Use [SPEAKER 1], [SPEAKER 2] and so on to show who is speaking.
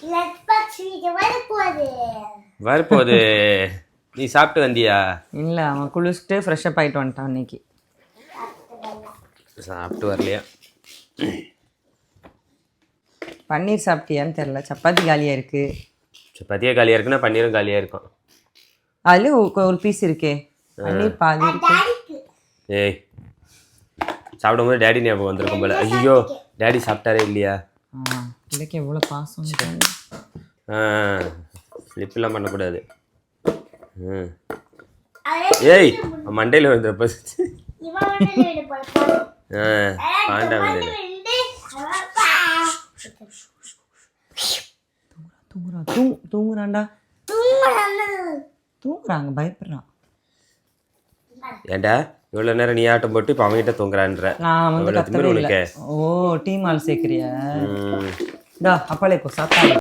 [SPEAKER 1] வரப்போகுது. நீ சாப்பிட்டு வந்தியா?
[SPEAKER 2] இல்லை, அவன் குளிச்சுட்டு ஃப்ரெஷ்அப் ஆகிட்டு வந்துட்டான் இன்னைக்கு.
[SPEAKER 1] சாப்பிட்டு வரலையா?
[SPEAKER 2] பன்னீர் சாப்பிட்டியான்னு தெரில. சப்பாத்தி காலியாக இருக்குது.
[SPEAKER 1] சப்பாத்தியே காலியாக இருக்குன்னா பன்னீரும் காலியாக இருக்கும்.
[SPEAKER 2] அதுலேயும் ஒரு பீஸ் இருக்கே, பன்னீர் பாதி இருக்கு.
[SPEAKER 1] ஏய், சாப்பிடும்போது டேடி ஞாபகம் வந்திருக்கும் போல. ஐயோ, டேடி சாப்பிட்டாரே இல்லையா?
[SPEAKER 2] இதுக்கு எவ்வளோ பாசம்.
[SPEAKER 1] ஸ்லிப்லாம் பண்ணக்கூடாது. ஏய், மண்டையில் வந்துடுறப்ப பாண்டா வந்து
[SPEAKER 2] தூங்குறான்டா. தூங்குறாங்க, பயப்படுறான்.
[SPEAKER 1] ஏண்டா இவ்வளோ நேரம் நீ ஆட்டம் போட்டு இப்போ அவங்ககிட்ட தூங்குறான்ற.
[SPEAKER 2] நான் வந்து கத்தவே இல்லை. ஓ, டீம் ஆள் சேர்க்குறியா? அப்பாலே இப்போ சாப்பிட்டா